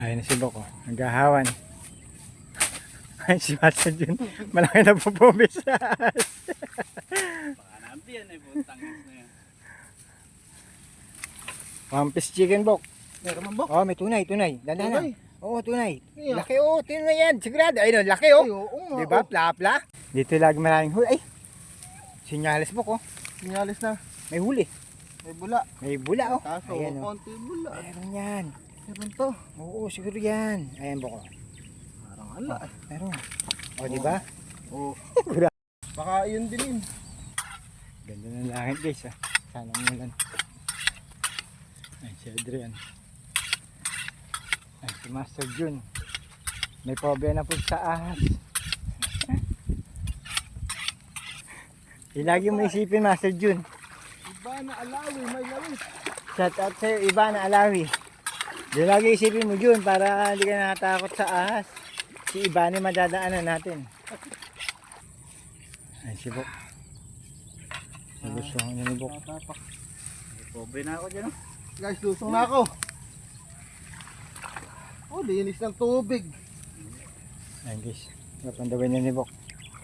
Ayun na si Boko, naghahawan. Ay, si Master Jun, malaki na po pumisas. Baka nabi yan eh, butang na yan. One piece chicken, Bok. Meron man, Bok? Oh, may tunay. Dandahan lang. Tunay? Oo, tunay. Iya. Laki, oh, tunay yan. Sigurado. Ayun, laki, Ay, oh. oo nga. Diba? Oh. Pla-pla. Dito lagi maraming huli. Ay, sinyales, Bok, oh. Sinyalis na. May huli. May bula. May bula, oh. Kaso, Ayan, oh. konti bula. Meron yan. Meron to. Oo, siguro yan. Ayan, Bok, oh. Parang ala. Meron. Oh, diba? Oo. Gura. Baka yun din yun. Ganda ng langit, guys, ah. Sana umulan. Ay, si Adrian. Ay, si Master Jun. May problema na po sa ahas. Lagi mo isipin, Master Jun. Iba na alawi, may lawis. Shout out sa'yo, iba na alawi. Di lagi isipin mo, Jun, para hindi ka nakatakot sa ahas. Si Iba ni madadaanan natin. Ay, si Bok. Nagustuhan niya ni Bok. Tatapak. Pobre na ako dyan oh. Guys, lusong na ako. Oh, linis ng tubig. Ayan, guys. Napandawin niya ni Bok.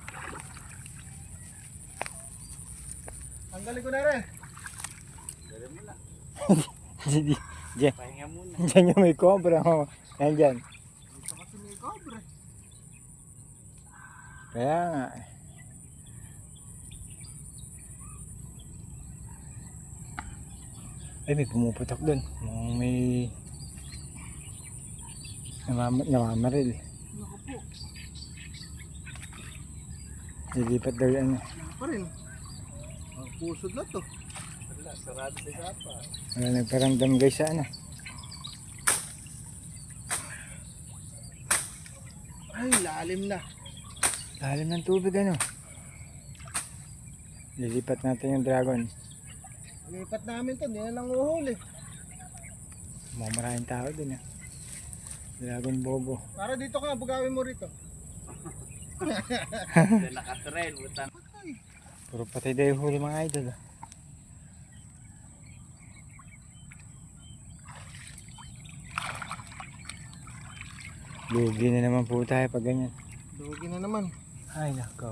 Tanggalin ko na rin. Dali mo na. Diyan. Pahinga muna. Diyan yung may cobra. Oh. Ayan dyan. Ito kasi may cobre. Kaya nga. Ay, may pumuputok dun. May namamaril. Naku po. Lilipat daw yan. Wala pa rin. Ang pusod na to. Wala, sarado sa gapa. Wala nagparamdam guys sa ano. Ay, lalim na. Lalim ng tubig ano. Lilipat natin yung dragon. Lipat namin to, hindi na lang uhuli. Maraming tao dun ah. Dragon bobo. Para dito ka, bugawin mo rito. Dahil nakatrail, butang. Patay. Puro patay daw yung huli mga idol ah. Lugi na naman po tayo pag ganyan. Dugi na naman. Ay nakaw.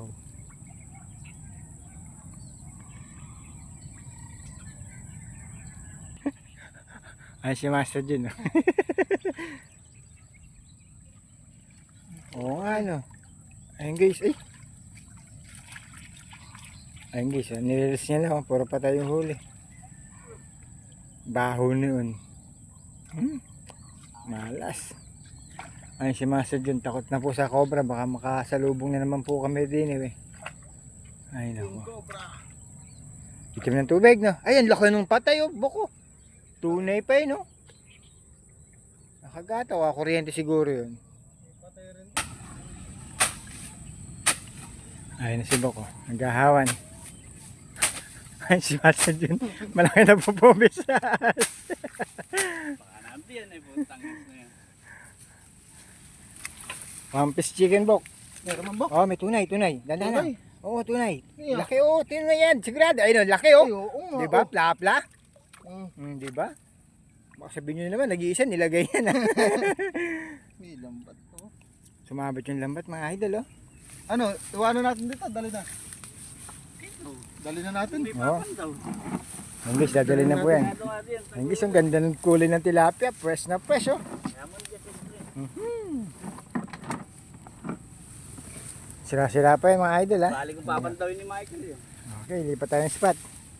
Ay si Master Jun. Oo nga no. Ayun guys, ay. Ayun guys, nililis niya lang. Puro patay yung huli. Baho noon. Malas. Ayun si Master Jun, takot na po sa cobra. Baka makasalubong na naman po kami din eh. Ay Yung nako. cobra. Itim ng tubig no. Ayan, laki nung patay oh, Boko. Tunay pa yun no. Nakagataw, kuryente siguro yun. Patay rin. Ayun na si Boko, naghahawan. Ay, si Master Jun, malaki na po pumisas. Baka nabi yan eh, butang na yan. One piece chicken, Bok. Meron man, Bok? Oh, may tunay. Dandahan lang. Tunay? Oo, tunay. Iya. Laki oh, tunay yan. Sigurado. Ayun, laki Ay, oh. oo nga. Diba? Oh. Pla-pla. Mm. Diba? Baka sabihin nyo naman, nag-iisa, nilagay yan ah. May lambat to. Sumabot yung lambat mga idol oh. Ano, iwanan natin dito, dali na. Ito, Dali na natin. hindi Oo. pa daw. Ang guys, dadalhin na po yan. Ano nga din, Ang guys, ang ganda ng kulay ng tilapia. Fresh na fresh oh. kaya mo dyan siyempre. Sira-sira pa yung mga idol ha. Bali kong papantawin ni Michael yun. Okay, lipat tayo ng spot.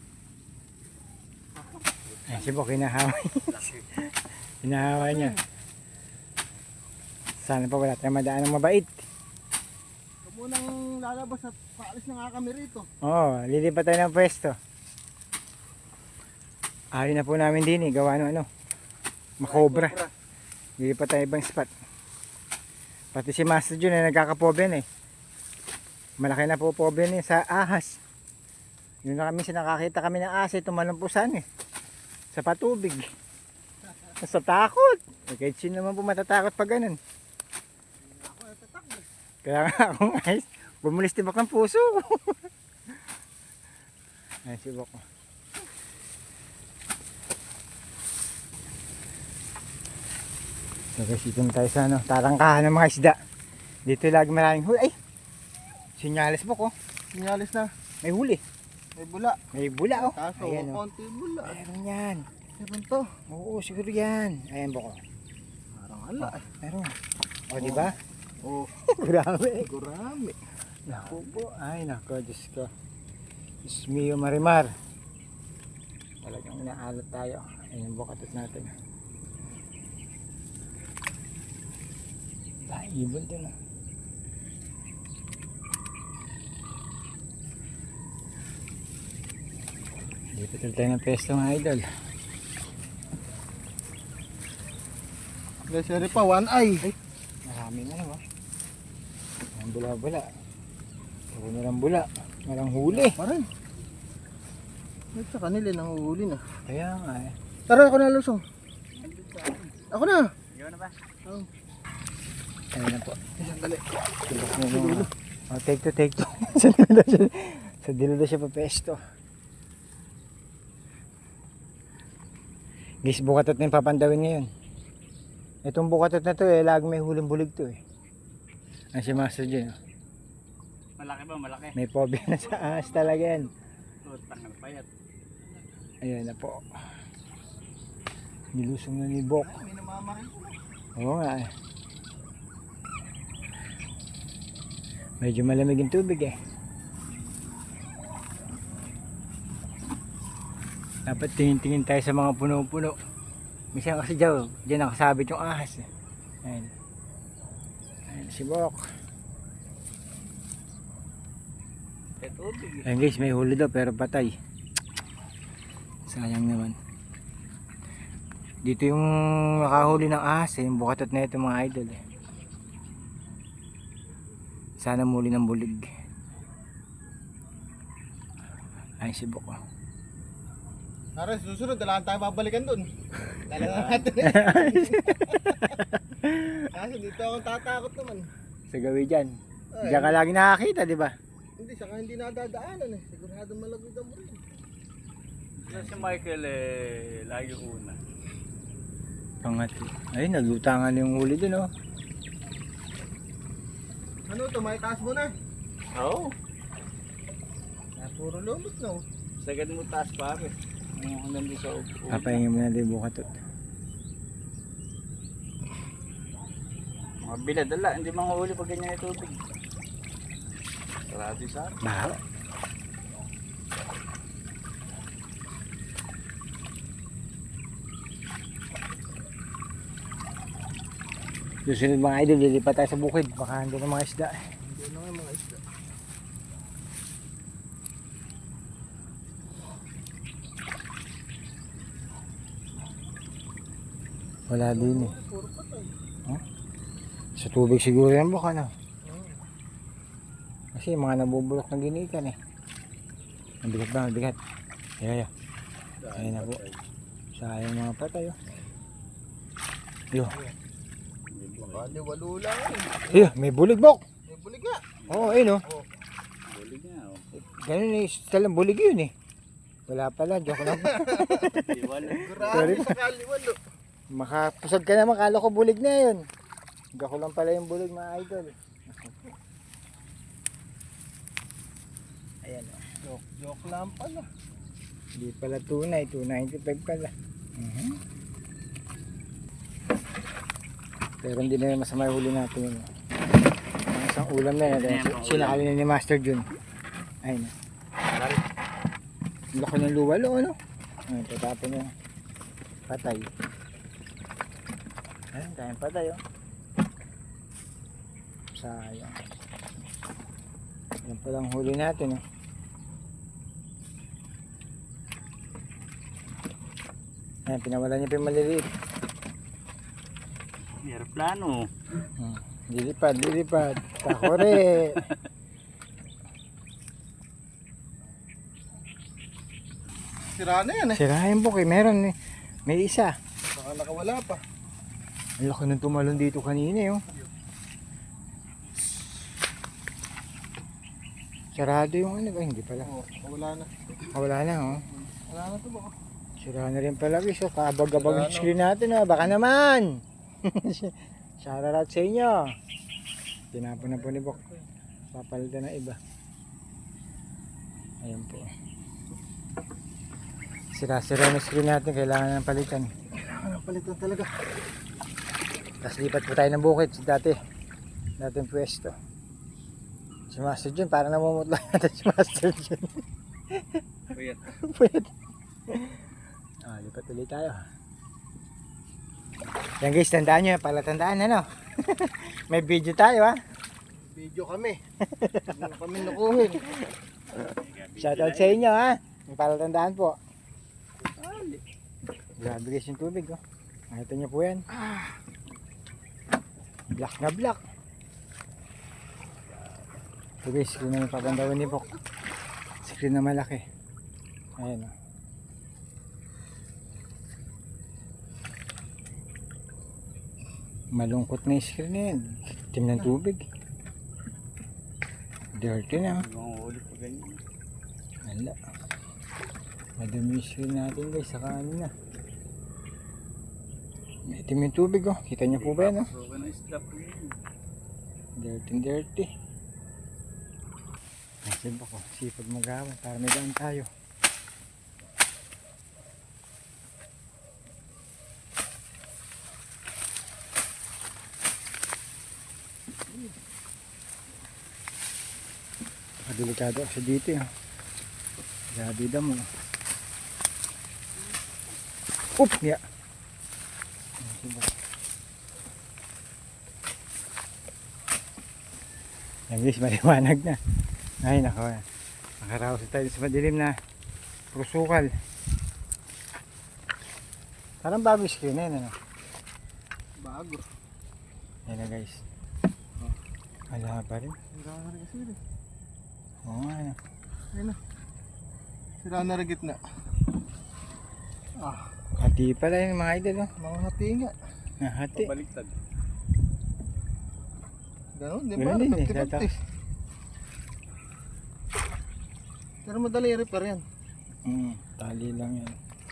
Ay, si Bok, hinahaway. Hinahaway niya. Sana pa wala tayong madaan ng mabait. Ito munang lalabas at paalis na nga kami rito. Oo, lilipat tayo ng pwesto. Ayaw na po namin din eh, gawa ng ano, makobra. Lilipat tayo ibang spot. Pati si Master Jun ay nagkakapoben eh. Malaki na po poben eh sa ahas. Yun na kami, nakakita kami ng ahas eh, tumalampusan eh. Sa patubig. Sa takot. Eh, kahit sino naman po matatakot pag ganun. Ako natatakbo. Kaya nga ako guys, bumulis tibak ng puso. Ay, si Bok. So guys, dito na tayo sa ano, tarangkahan ng mga isda. Dito lagi maraming huli. Ay! Sinyalis mo ko. Sinyalis na. May huli. May bula. May bula oh. Kaso, Ayan oh. konti bula. Meron yan. Meron to. Oo, siguro yan. Ayan po ko. Parang ala. Meron. O, di ba? Oh, Grabe. gurami. Naku po. Ay, naku. Diyos ko. Diyos mio marimar. Talagang inaalat tayo. Ayan yung bukatot natin. Dahil ibon din oh. Dito tayo ng pesto mga idol. Lesere pa, one eye. Maraming ano ba? Ang bula-bula. Puro nilang bula. Walang huli. Pa rin. At sa kanila nang uhuli na. Kaya nga eh. Tara, ako na lusong. Ako na. Ikaw na ba? Oh. Ayun na po. Sandali. Tulok na yung... Oh, take two, take two. Sa dilo siya. Sa dilo daw siya papesto. Guys, bukatot na yung papandawin ngayon. Itong bukatot na to eh, lagi may huling bulig to eh. Ang si Master Jun. Oh. Malaki ba? Malaki. May phobia na sa ahas talaga yan. Putang na payat. Ayan na po. Nilusong na ni Bok. May namamarin ko na. Oo nga eh. Medyo malamig yung tubig eh. Dapat tingin-tingin tayo sa mga puno-puno. Minsan kasi dyan nakasabit yung ahas eh. Ayan. Ayan si Bok. Tubig. Ayan guys, may huli daw pero patay. Sayang naman. Dito yung nakahuli ng ahas eh, yung bukatot na ito mga idol eh. Sana muli ng bulig. Ay si Bok oh. Tara, susunod, dalahan tayo babalikan dun. Dalahan natin. Kasi dito akong tatakot naman. Sa gawi dyan. Ay, Diyan ka lagi nakakita, di ba? Hindi, saka hindi nadadaanan eh. Sigurado malagod mo rin. Si Michael eh, lagi una. Pangati. Ay, naglutangan yung huli dun oh. Ano to, may taas mo na. Oo. Puro lumot na oh. Sagad mo taas pare. Ano nandun sa upo. Papahingin mo na din bukatot. Mga bilad, ala. Hindi mga huli pag ganyan yung tubig. Sarado sa akin. Bahala. Susunod mga idol, lilipat tayo sa bukid. Baka hindi na mga isda eh. Hindi na nga mga isda. Wala din eh. Puro patay. Sa tubig siguro yan baka na. Kasi mga nabubulok na ginikan eh. Ang bigat ba? Ang bigat. Ayan. Ayun na po. Sayang mga patay oh. Yo. Baka walo lang Yo, eh. may bulig Bok. May bulig nga. Oo, ayun oh. Huli nga oh. Ganun eh, talang bulig yun eh. Wala pala, joke lang. Iwala. Grabe sa kaliwalo. Makapusag ka naman, kala ko bulig na yun. Gako lang pala yung bulig mga idol. Ayan o. Joke lang pala. Hindi pala tunay, 295 pala. Pero hindi na masama yung huli natin yun. Ang isang ulam na yan. Sinakali na ni Master Jun. Ayun o. Laki ng luwalo ano. Ayun, tatapon niya. Patay. Ayun, tayong patay oh. Sayang. Yan palang huli natin oh. Ayan, pinawalan niya pa yung maliliit. Aeroplano. Lilipad, lilipad. Takore. Sira na yan eh. Sirahin po kay meron eh. May isa. Baka nakawala pa. Ang laki ng tumalon dito kanina eh, oh. Sarado yung ano ba? Hindi pala. Oo, wala na. Wala na oh. Wala na to baka. Sira na rin pala guys. Oh. Kabag-abag yung screen natin oh. Baka naman. Shoutout sa inyo. Tinapon na po ni Bok. Papalitan na iba. Ayan po. Sira-sira na screen natin. Kailangan ng palitan. Palitan talaga. Tapos lipat po tayo ng bukid. Dating pwesto. Si Master Jun, parang namumutla natin si Master Jun. Puyat. Pwede. Lipat ulit tayo. Yan guys, tandaan nyo. Palatandaan ano. May video tayo ha. Video kami. Hindi na kami nakuhin. Shoutout sa inyo ha. May palatandaan po. Grabe guys yung tubig oh. Nakita nyo po yan. Black na black. Ito guys, screen na napapandawan ni Bok. Screen na malaki. Ayan oh. Malungkot na yung screen na yan. Itim ng tubig. Dirty na. Mahuli pa ganyan. Wala. Madumi yung screen natin guys. Saka ano na. May itim yung tubig oh. Kita nyo po ba yan oh? So, ganun isla po yun. Dirty. Nasib ako. Sipag magawan para may daan tayo. Delikado kasi dito yun. Grabe damo. Oop! Yeah. Yan guys, maliwanag na. Ay nako. Nakaraos tayo sa madilim na prusukal. Parang bago screen na yun ano. Bago. Yan na guys. Wala pa rin. Sira na rin kasi rin. Oo nga ano. Ayun na. Sira na rin gitna. Hati pala yung mga idol oh. Mga hati nga. Hati. Pabaliktad. Ganun din Ganun ba? din eh. 50-50. Pero madali repair yan. Tali lang yan.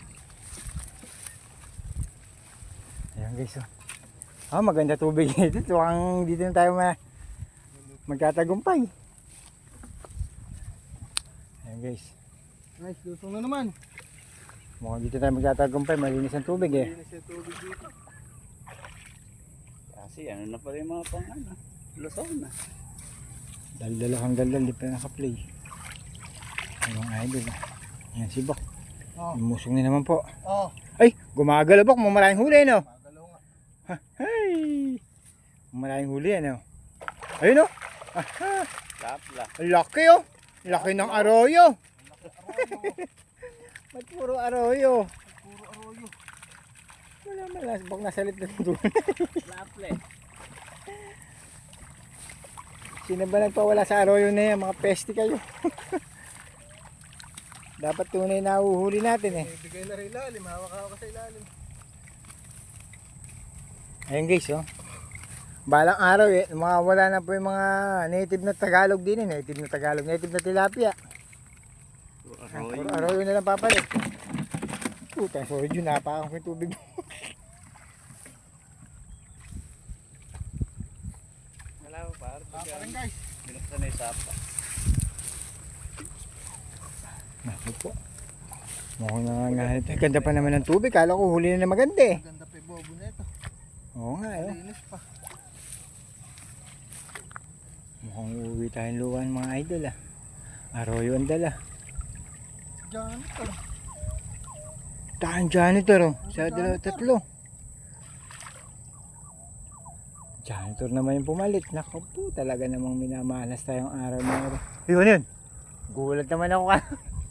Ayan guys oh. Maganda tubig dito. Tuwang dito na tayo magtatagumpay. Ayan guys. Nice, lusong na naman. Mukhang dito tayo magtatagumpay. Malinis ang tubig eh. Linis yung tubig dito. Kasi ano na pala yung mga pang ano. Lusaw na. Daldalo kang daldal. Di pa nakaplay. Ayan mga idol. Ayan si Bok. Lumusong na naman po. Ay! Gumagala Bok. Maraming huli no? Magalaw nga. Hey! Maraming huli ano? Ayun oh! Aha! Kapla. Laki oh! Laki ng arroyo! Ba't puro arroyo? Puro arroyo. Wala malas. Bak nasalit na doon. Kaple. Sino ba nagpawala sa arroyo na yan? Mga pesti kayo. Dapat tunay na uhuhuli natin eh. Ibigay na rin ilalim. Hawak-hawak sa ilalim. Ayun guys oh. Balang araw eh. Wala na po yung mga native na Tagalog din eh. Native na Tagalog. Native na tilapia. Puro arroyo na lang papalit. Puta, sorry Jun. Napakan ko yung tubig. Wala pa par. Pa rin guys. Binuksan na yung sapa. Naku po. Mukhang nangangalit. Ganda pa naman ng tubig. Kala ko huli na maganda eh. Ganda pa yung bobo na ito. Oo nga eh. Linis pa. Mukhang uuwi tayong luwan mga idol ah. Arroyo ang dala. Diyan ito. Tahan janitor oh. Sa dalawa tatlo. Janitor naman yung pumalit. Naku po. Talaga namang minamalas tayong araw na araw. Yun yun. Gulat naman ako ka.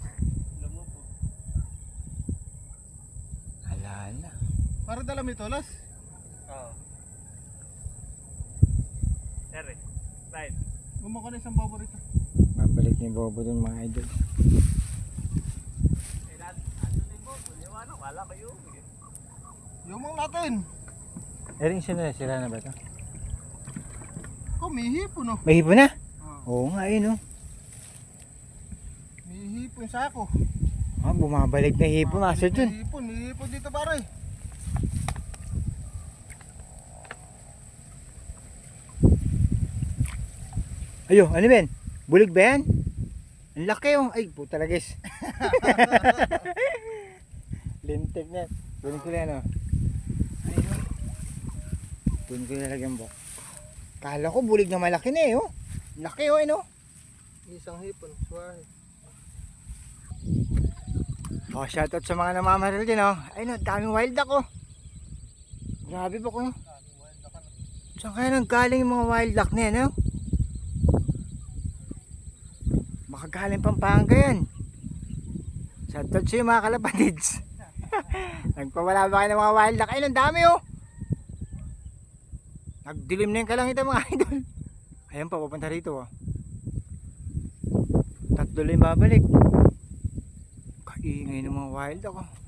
Alala. Para dala may tolas. Oo. Sere. Slide. Gumawa ka na isang bobo rito. Babalik ni Bobo dun mga idol. Wala kayo. Yumang natin. Erin sira na ba ito? May hipon oh. May hipon na? Oo nga yun oh. May hipon sa ako. Bumabalik na hipon Master Jun. May hipon dito pare. Ayo, ano ben? Bulig ba yan? Ang laki oh. Ay, puta lagis. Lintik na. Kunin ko na oh. Ayun. Kunin ko na lagyan po. Kala ko bulig na malaki na eh oh. Laki oh, ano? Isang hipon, suwahe. Oh, shoutout sa mga namamaril din oh. Ayun oh, daming wild duck oh. Grabe po ko. Saan kaya nanggaling yung mga wild duck na yan oh? Makagaling Pampanga yan. Shoutout sa iyo mga kalapatids. Nagpawala ba kayo ng mga wild duck? Ayun, ang dami oh. Nagdilim na yung kalangitan mga idol. Ayan pa, papunta rito oh. Tatlo lang babalik. Kaingay ng mga wild duck oh.